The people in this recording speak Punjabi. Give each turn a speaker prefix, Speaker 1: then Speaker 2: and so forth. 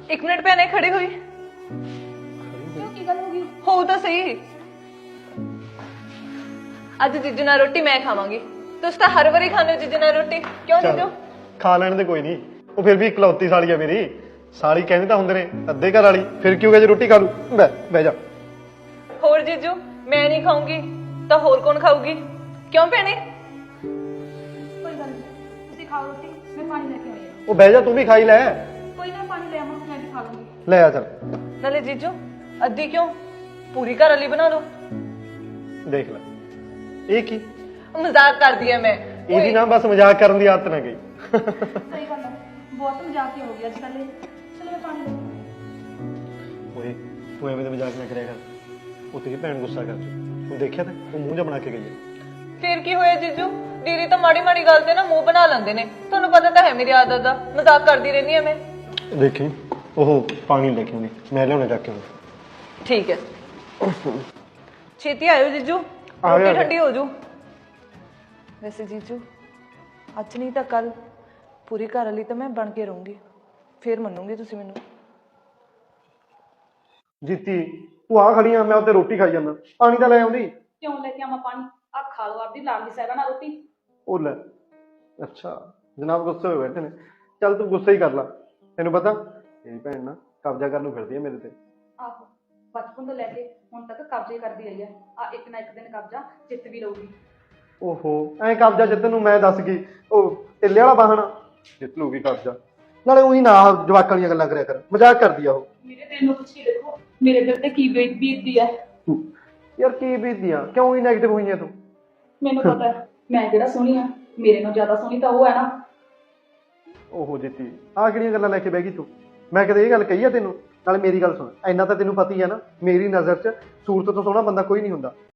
Speaker 1: एक मिनट भैने खड़ी हुई
Speaker 2: क्यों की गल होगी?
Speaker 1: हो तो सही। अज जीजू नाल रोटी मैं खावांगी। तुस तो हर वारी खाने हो जीजू नाल रोटी, क्यों जीजू?
Speaker 3: खा लैण दे कोई नहीं। ਉਹ ਫਿਰ ਵੀ ਇਕਲੌਤੀ ਸਾਲੀ ਆ ਮੇਰੀ। ਸਾਲੀ ਕਹਿੰਦੇ ਤਾਂ ਹੁੰਦੇ ਨੇ ਅੱਧੇ ਘਰ ਵਾਲੀ, ਫਿਰ ਕਿਉਂ ਜੇ ਰੋਟੀ ਖਾ ਲੂ। ਬਹਿ ਜਾ।
Speaker 1: होर जीजू मैं नहीं खाऊंगी तो होर कौन खाऊगी? क्यों भैने?
Speaker 2: कोई गल नहीं, तुसी खाओ रोटी, मैं पानी लेके आई हूं।
Speaker 3: ਉਹ ਬਹਿ ਜਾ, ਤੂੰ ਵੀ ਖਾਈ ਲੈ।
Speaker 2: कोई ना पानी ले आवां, मैं भी खा लूंगी।
Speaker 3: ਲੈ ਆ ਚੱਲ।
Speaker 1: नाले जीजू अद्धी क्यों, पूरी घर वाली बना लो।
Speaker 3: ਦੇਖ ਲੈ ਇਹ ਕੀ,
Speaker 1: मजाक कर दिया मैं।
Speaker 3: ਇਹਦੀ ਨਾ ਬਸ ਮਜ਼ਾਕ ਕਰਨ ਦੀ ਆਦਤ ਨਾ ਗਈ।
Speaker 2: सही गल है, बहुत मजाक हो गया आजकल। चलो मैं पानी लेके
Speaker 3: ਓਏ ਤੂੰ ਐਵੇਂ ਦੇ ਮਜ਼ਾਕ ਨਾ ਕਰਿਆ ਕਰ। ਉਹ ਤੇਰੀ ਭੈਣ ਗੁੱਸਾ ਕਰ ਚੁੱਕੀ। ਤੂੰ ਦੇਖਿਆ ਤੇ ਉਹ ਮੂੰਹ ਜਿਹਾ ਬਣਾ ਕੇ ਗਈ ਹੈ।
Speaker 1: फिर की होया जीजू? दीदी तो माड़ी माड़ी गल ते ना मुंह बना लेंदे ने। तुहानू पता तो है मेरी आदत दा, मजाक करदी रहनी है मैं।
Speaker 3: ਦੇਖੀ ਉਹ ਪਾਣੀ ਲੈ ਕੇ ਆਉਂਦੀ, ਮੈਂ ਲਿਆਉਣਾ ਚੱਕ ਕੇ ਆਉਂਦਾ।
Speaker 1: ठीक है छेती आयो जीजू,
Speaker 3: आ गया,
Speaker 1: रोटी
Speaker 3: आ गया।
Speaker 1: ठंडी हो जू। वैसे जीजू अज नहीं तो कल पूरी घर वाली तो मैं बन के रहूंगी, फिर मनूंगी तुसी मैनू।
Speaker 3: ਜੀਤੀ ਤੂੰ ਆ ਖੜੀ ਆ, ਮੈਂ ਉੱਤੇ ਰੋਟੀ ਖਾਈ ਜਾਂਦਾ। ਪਾਣੀ ਤਾਂ ਲੈ ਆਉਂਦੀ।
Speaker 2: क्यों लेके आवां पानी? आ खा लो आपदी लाडली साहिबा नाल रोटी।
Speaker 3: ਉਹ ਲੈ ਅੱਛਾ ਜਨਾਬ ਗੁੱਸੇ ਹੋਏ ਬੈਠੇ ਨੇ। ਚੱਲ ਤੂੰ ਗੁੱਸਾ ਹੀ ਕਰ ਲਾ। ਤੈਨੂੰ ਪਤਾ ਤੇਰੀ ਭੈਣ ਨਾ ਕਬਜ਼ਾ ਕਰਨ ਨੂੰ ਫਿਰਦੀ ਹੈ ਮੇਰੇ ਤੇ।
Speaker 2: ਆਹੋ, ਬਚਪਨ ਤੋਂ ਲੈ ਕੇ ਹੁਣ ਤੱਕ ਕਬਜ਼ੇ ਕਰਦੀ ਰਹੀ ਆ। ਆ ਇੱਕ ਨਾ ਇੱਕ ਦਿਨ ਕਬਜ਼ਾ ਜਿੱਤ ਵੀ ਲਊਗੀ।
Speaker 3: ਓਹੋ ਐਂ ਕਬਜ਼ਾ ਜਿੱਤਣ ਨੂੰ ਮੈਂ ਦੱਸ ਗਈ ਉਹ ਟਿੱਲੇ ਵਾਲਾ ਬਹਾਨਾ। ਜਿੱਤ ਲੂਗੀ ਕਬਜ਼ਾ। ਨਾਲੇ ਉਹੀ ਨਾ ਜਵਾਕਾਂ ਵਾਲੀਆਂ ਗੱਲਾਂ ਕਰਿਆ ਕਰ, ਮਜ਼ਾਕ ਕਰਦੀ ਆ ਉਹ।
Speaker 2: ਮੇਰੇ ਦਿਲ ਨੂੰ ਪੁੱਛ ਕੇ ਦੇਖੋ ਮੇਰੇ ਦਿਲ ਤੇ ਕੀ ਬੀਤਦੀ ਹੈ।
Speaker 3: ਯਾਰ ਕੀ ਬੀਤਦੀ ਆ, ਕਿਉਂ ਹੀ ਨੈਗੇਟਿਵ ਹੋਈ ਆ ਤੂੰ?
Speaker 2: ਮੈਨੂੰ ਪਤਾ ਹੈ ਮੈਂ ਕਿਹੜਾ ਸੋਹਣੀ ਆ, ਮੇਰੇ ਨਾਲੋਂ ਜ਼ਿਆਦਾ ਸੋਹਣੀ ਤਾਂ ਉਹ ਹੈ ਨਾ।
Speaker 3: ਓਹੋ ਜਿੱਤੀ ਆਹ ਕਿਹੜੀਆਂ ਗੱਲਾਂ ਲੈ ਕੇ ਬਹਿ ਗਈ ਤੂੰ? ਮੈਂ ਕਦੇ ਇਹ ਗੱਲ ਕਹੀ ਆ ਤੈਨੂੰ? ਨਾਲੇ ਮੇਰੀ ਗੱਲ ਸੁਣ, ਇੰਨਾ ਤਾਂ ਤੈਨੂੰ ਪਤਾ ਹੀ ਆ ਨਾ, ਮੇਰੀ ਨਜ਼ਰ 'ਚ ਸੂਰਤ ਤੋਂ ਸੋਹਣਾ ਬੰਦਾ ਕੋਈ ਨਹੀਂ ਹੁੰਦਾ।